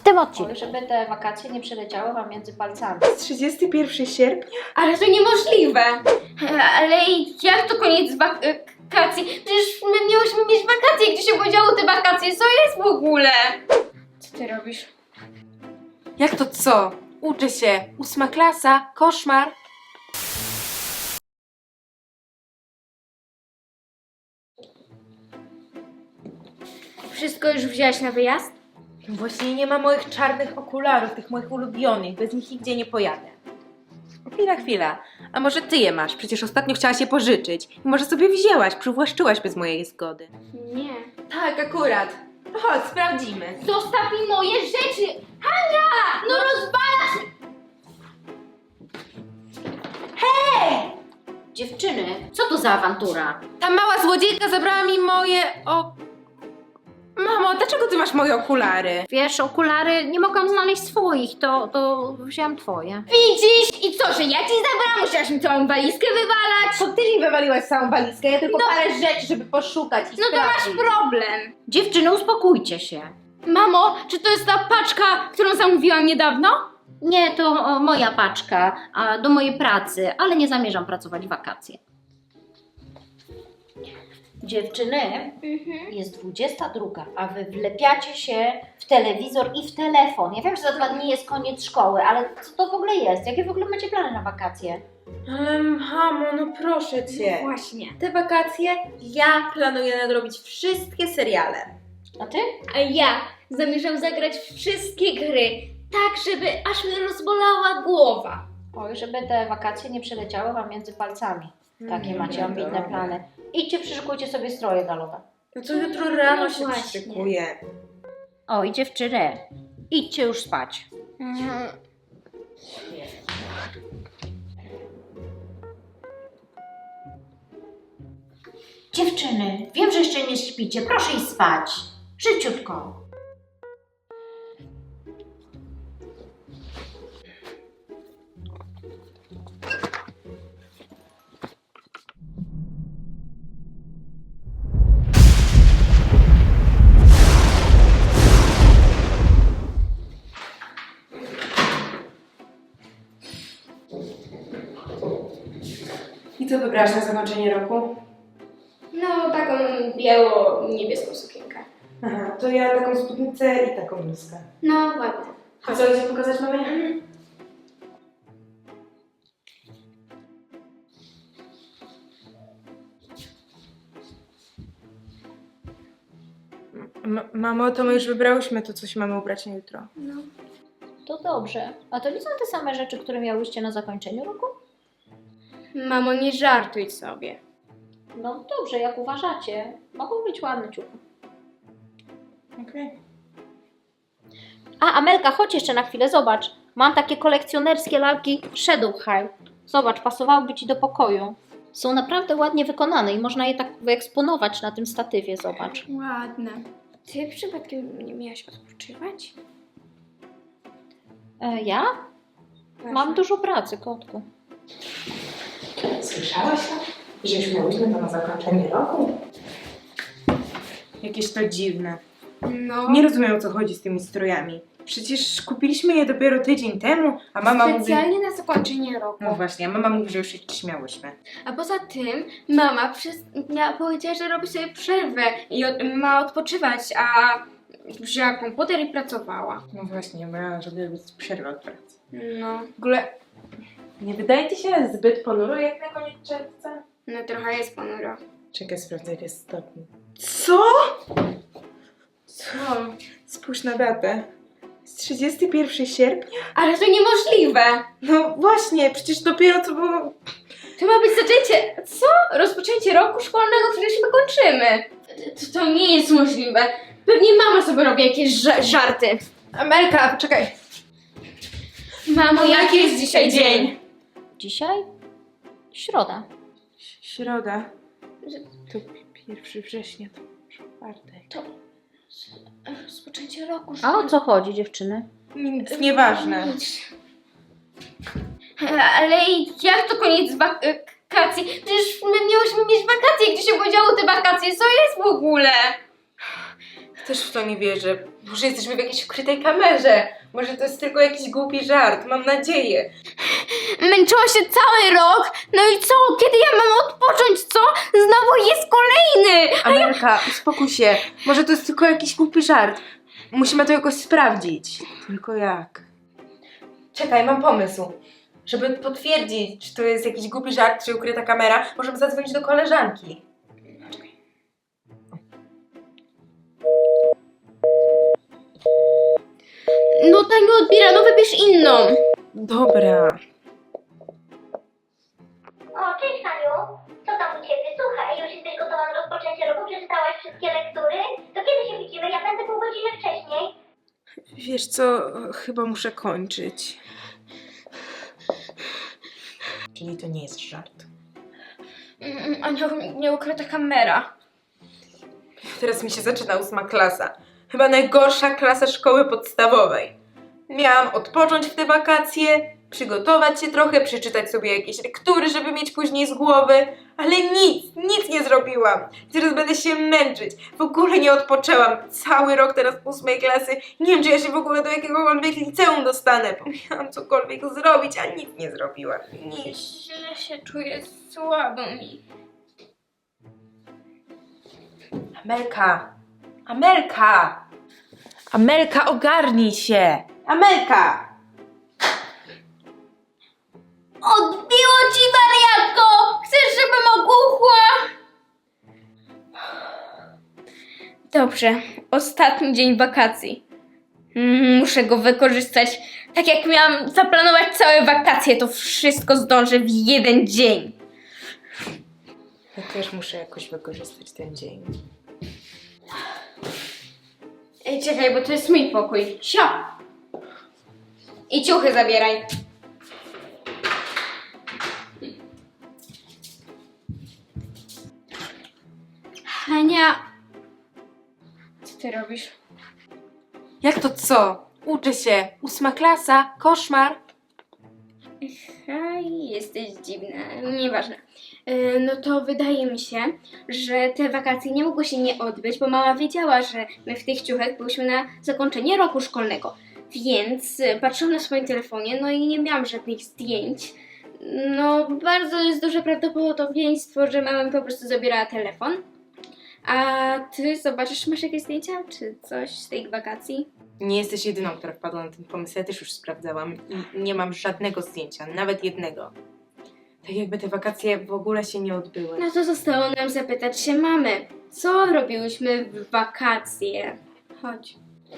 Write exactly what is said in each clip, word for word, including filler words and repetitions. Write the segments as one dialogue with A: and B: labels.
A: tym odcinku.
B: Oj, żeby te wakacje nie przeleciały wam między palcami.
C: trzydziestego pierwszego sierpnia?
D: Ale to niemożliwe! Ale jak to koniec wakacji? Przecież my miałyśmy mieć wakacje, gdzie się podziały te wakacje? Co jest w ogóle? Co ty robisz?
C: Jak to co? Uczę się. Ósma klasa. Koszmar.
D: Wszystko już wzięłaś na wyjazd?
C: Właśnie nie ma moich czarnych okularów, tych moich ulubionych. Bez nich nigdzie nie pojadę. Chwila, chwila. A może ty je masz? Przecież ostatnio chciałaś je pożyczyć. I może sobie wzięłaś, przywłaszczyłaś bez mojej zgody.
D: Nie.
C: Tak, akurat. No chodź, sprawdzimy.
D: Zostaw mi moje rzeczy! Hania! No rozwalasz!
B: Dziewczyny, co to za awantura?
C: Ta mała złodziejka zabrała mi moje o... Mamo, dlaczego ty masz moje okulary?
B: Wiesz, okulary, nie mogłam znaleźć swoich, to, to wzięłam twoje.
D: Widzisz? I co, że ja ci zabrałam? Musiałaś mi całą walizkę wywalać?
C: To ty mi wywaliłaś całą walizkę, ja tylko
D: No.
C: parę rzeczy, żeby poszukać i
D: No to masz
C: sprawdzić.
D: problem.
B: Dziewczyny, uspokójcie się.
D: Mamo, czy to jest ta paczka, którą zamówiłam niedawno?
B: Nie, to o, moja paczka a, do mojej pracy, ale nie zamierzam pracować w wakacje. Dziewczyny, jest dwudziesta druga, a wy wlepiacie się w telewizor i w telefon. Ja wiem, że za dwa dni jest koniec szkoły, ale co to w ogóle jest? Jakie w ogóle macie plany na wakacje?
C: Ale mamo, no proszę cię.
D: Właśnie.
C: Te wakacje ja planuję nadrobić wszystkie seriale.
B: A ty?
D: A ja zamierzam zagrać w wszystkie gry, tak żeby aż mnie rozbolała głowa.
B: Oj, żeby te wakacje nie przeleciały wam między palcami. Takie
C: Mm,
B: macie ambitne
C: dobra.
B: plany. Idźcie, przyszykujcie sobie stroje galowe.
C: No to jutro rano
D: No
C: się
D: właśnie.
C: przyszykuję.
B: Oj, dziewczyny, idźcie już spać.
D: Mhm.
B: Dziewczyny, wiem, że jeszcze nie śpicie, proszę iść spać. Szybciutko.
C: I co wybrałaś na zakończenie roku?
D: No, taką biało-niebieską sukienkę.
C: Aha, to ja taką spódnicę i taką bluzkę.
D: No, ładne.
C: A co chcesz pokazać mamie? M- mamo, to my już wybrałyśmy to, co się mamy ubrać na jutro.
D: No.
B: To dobrze. A to nie są te same rzeczy, które miałyście na zakończeniu roku?
D: Mamo, nie żartuj sobie.
B: No dobrze, jak uważacie. Mogą być ładne ciuchy.
C: Okej.
B: A, Amelka, chodź jeszcze na chwilę, zobacz. Mam takie kolekcjonerskie lalki Shadow High. Zobacz, pasowałyby ci do pokoju. Są naprawdę ładnie wykonane i można je tak wyeksponować na tym statywie, zobacz.
D: Ładne. Ty przypadkiem nie miałaś odpoczywać?
B: E, ja? Mam dużo pracy, kotku.
C: Słyszałaś to? Że już miałyśmy to na zakończenie roku? Jakieś to dziwne.
D: No.
C: Nie rozumiem, o co chodzi z tymi strojami. Przecież kupiliśmy je dopiero tydzień temu, a mama mówi...
D: Specjalnie na zakończenie roku.
C: No właśnie, a mama mówi, że już się śmiałyśmy.
D: A poza tym mama przez... ja powiedziała, że robi sobie przerwę i od... ma odpoczywać, a wzięła komputer i pracowała.
C: No właśnie, bo ja żeby robić przerwę od pracy.
D: No.
C: W ogóle nie wydaje ci się zbyt ponuro jak na koniec czerwca?
D: No trochę jest ponuro.
C: Czekaj, sprawdzę, ile jest stopni. Co? Co? Spójrz na datę. Jest trzydziestego pierwszego sierpnia?
D: Ale to niemożliwe!
C: No właśnie, przecież dopiero co było...
D: To ma być zaczęcie... Co? Rozpoczęcie roku szkolnego, przecież my kończymy. To, to nie jest możliwe. Pewnie mama sobie robi jakieś ża- żarty.
C: Amelka, czekaj.
D: Mamo, jaki jest dzisiaj dzień?
B: Dzisiaj? Środa.
C: Środa. To pierwszego września, to czwartek.
D: To rozpoczęcie roku
B: A o
D: szkolnego.
B: co chodzi, dziewczyny?
C: Nic nieważne.
D: Ale jak to koniec wakacji? Przecież my miałyśmy mieć wakacje, gdzie się podziały te wakacje. Co jest w ogóle?
C: Też w to nie wierzę. Może jesteśmy w jakiejś ukrytej kamerze. Może to jest tylko jakiś głupi żart. Mam nadzieję.
D: Męczyłam się cały rok, no i co? Kiedy ja mam odpocząć, co? Znowu jest kolejny!
C: Amelka, uspokój się. Może to jest tylko jakiś głupi żart. Musimy to jakoś sprawdzić. Tylko jak? Czekaj, mam pomysł. Żeby potwierdzić, czy to jest jakiś głupi żart, czy ukryta kamera, możemy zadzwonić do koleżanki.
D: No ta nie odbiera, no wybierz inną.
C: Dobra.
A: O, cześć Haniu, co tam u Ciebie? Słuchaj, już jesteś gotowa na rozpoczęcie roku? Przeczytałaś wszystkie lektury? To kiedy się widzimy? Ja będę pół godziny wcześniej.
C: Wiesz co, chyba muszę kończyć. Czyli to nie jest żart.
D: Mm, A nie, nie ukryta kamera.
C: Teraz mi się zaczyna ósma klasa. Chyba najgorsza klasa szkoły podstawowej. Miałam odpocząć w te wakacje, przygotować się trochę, przeczytać sobie jakieś lektury, żeby mieć później z głowy, ale nic, nic nie zrobiłam. Teraz będę się męczyć. W ogóle nie odpoczęłam. Cały rok teraz ósmej klasy. Nie wiem, czy ja się w ogóle do jakiegokolwiek liceum dostanę. Miałam cokolwiek zrobić, a nic nie zrobiłam. Nic.
D: Źle się czuję, słabo mi.
C: Amelka! Amelka! Amelka, ogarnij się! Amelka!
D: Odbiło ci, wariatko! Chcesz, żebym ogłuchła? Dobrze, ostatni dzień wakacji. Mm, Muszę go wykorzystać. Tak jak miałam zaplanować całe wakacje, to wszystko zdążę w jeden dzień.
C: Ja też muszę jakoś wykorzystać ten dzień.
D: Ej, czekaj, bo to jest mój pokój. Sio! I ciuchy zabieraj. Hania, co ty robisz?
C: Jak to co? Uczę się. Ósma klasa. Koszmar.
D: Hej, jesteś dziwna. Nieważne. Yy, No to wydaje mi się, że te wakacje nie mogły się nie odbyć, bo mama wiedziała, że my w tych ciuchach byliśmy na zakończenie roku szkolnego. Więc y, patrzyłam na swoim telefonie, no i nie miałam żadnych zdjęć. No, bardzo jest duże prawdopodobieństwo, że mama mi po prostu zabierała telefon. A ty zobaczysz, masz jakieś zdjęcia czy coś z tych wakacji?
C: Nie jesteś jedyną, która wpadła na ten pomysł. Ja też już sprawdzałam i nie mam żadnego zdjęcia, nawet jednego. Tak jakby te wakacje w ogóle się nie odbyły.
D: No to zostało nam zapytać się mamy, co robiłyśmy w wakacje? Chodź.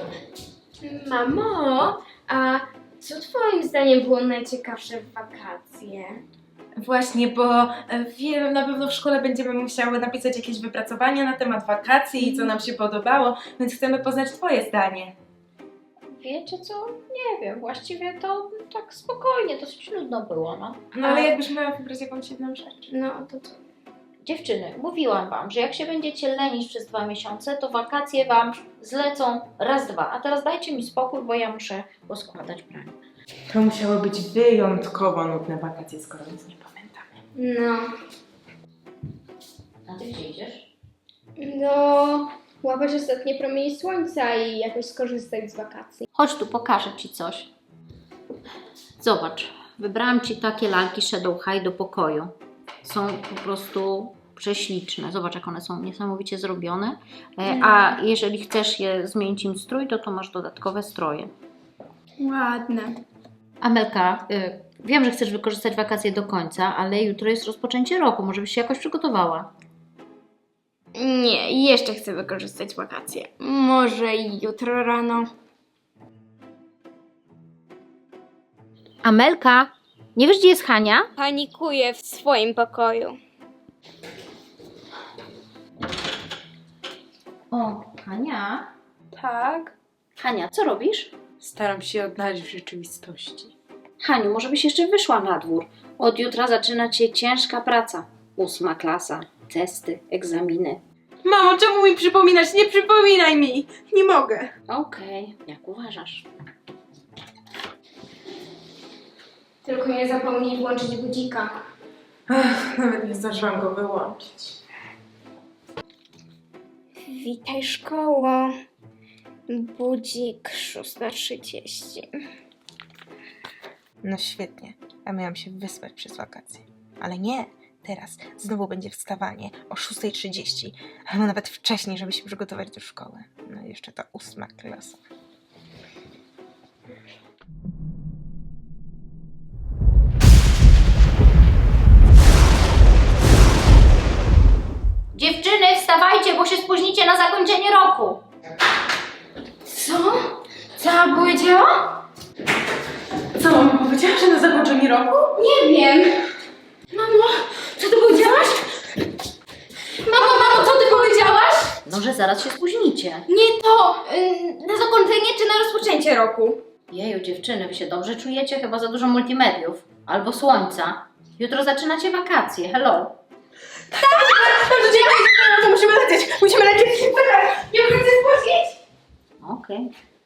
D: Mamo, a co twoim zdaniem było najciekawsze w wakacje?
C: Właśnie, bo e, wiem, na pewno w szkole będziemy musiały napisać jakieś wypracowania na temat wakacji i co nam się podobało, więc chcemy poznać twoje zdanie.
B: Wiecie co? Nie wiem, właściwie to tak spokojnie, dosyć nudno było, no.
C: No ale jakbyś miała wybrać jakąś jedną rzecz.
D: No to co?
B: Dziewczyny, mówiłam wam, że jak się będziecie lenić przez dwa miesiące, to wakacje wam zlecą raz, dwa. A teraz dajcie mi spokój, bo ja muszę poskładać pranie.
C: To musiały być wyjątkowo nudne wakacje, skoro nic nie pamiętamy.
D: No,
B: A ty gdzie idziesz?
D: no, łapać ostatnie promienie słońca i jakoś skorzystać z wakacji.
B: Chodź tu, pokażę ci coś. Zobacz, wybrałam ci takie lalki Shadow High do pokoju. Są po prostu prześliczne. Zobacz, jak one są niesamowicie zrobione. E, A jeżeli chcesz je zmienić im strój, to to masz dodatkowe stroje.
D: Ładne.
B: Amelka, y, wiem, że chcesz wykorzystać wakacje do końca, ale jutro jest rozpoczęcie roku. Może byś się jakoś przygotowała.
D: Nie, jeszcze chcę wykorzystać wakacje. Może jutro rano.
B: Amelka, nie wiesz, gdzie jest Hania?
D: Panikuję w swoim pokoju.
B: O, Hania.
C: Tak?
B: Hania, co robisz?
C: Staram się odnaleźć w rzeczywistości.
B: Haniu, może byś jeszcze wyszła na dwór. Od jutra zaczyna cię ciężka praca. Ósma klasa, testy, egzaminy.
C: Mamo, czemu mi przypominać? Nie przypominaj mi! Nie mogę.
B: Okej, jak uważasz.
D: Tylko nie zapomnij włączyć budzika.
C: Ach, nawet nie zdążyłam go wyłączyć.
D: Witaj szkoło. Budzik szósta trzydzieści.
C: No świetnie, a miałam się wyspać przez wakacje. Ale nie, teraz znowu będzie wstawanie o szósta trzydzieści, albo nawet wcześniej, żeby się przygotować do szkoły. No i jeszcze ta ósma klasa.
B: Dziewczyny, wstawajcie, bo się spóźnicie na zakończenie roku.
D: Co? Co powiedziała?
C: Co, mama powiedziała, że na zakończenie roku?
D: Nie wiem. Mamo, co ty powiedziałaś? Mamo, mamo, co ty powiedziałaś?
B: No, że zaraz się spóźnicie.
D: Nie to, y, na zakończenie czy na rozpoczęcie roku?
B: Jeju, dziewczyny, wy się dobrze czujecie? Chyba za dużo multimediów. Albo słońca. Jutro zaczynacie wakacje, hello.
C: Dobrze, dziękuję, to musimy lecieć, musimy lecieć. Nie mogę się spóźnić.
B: Okej.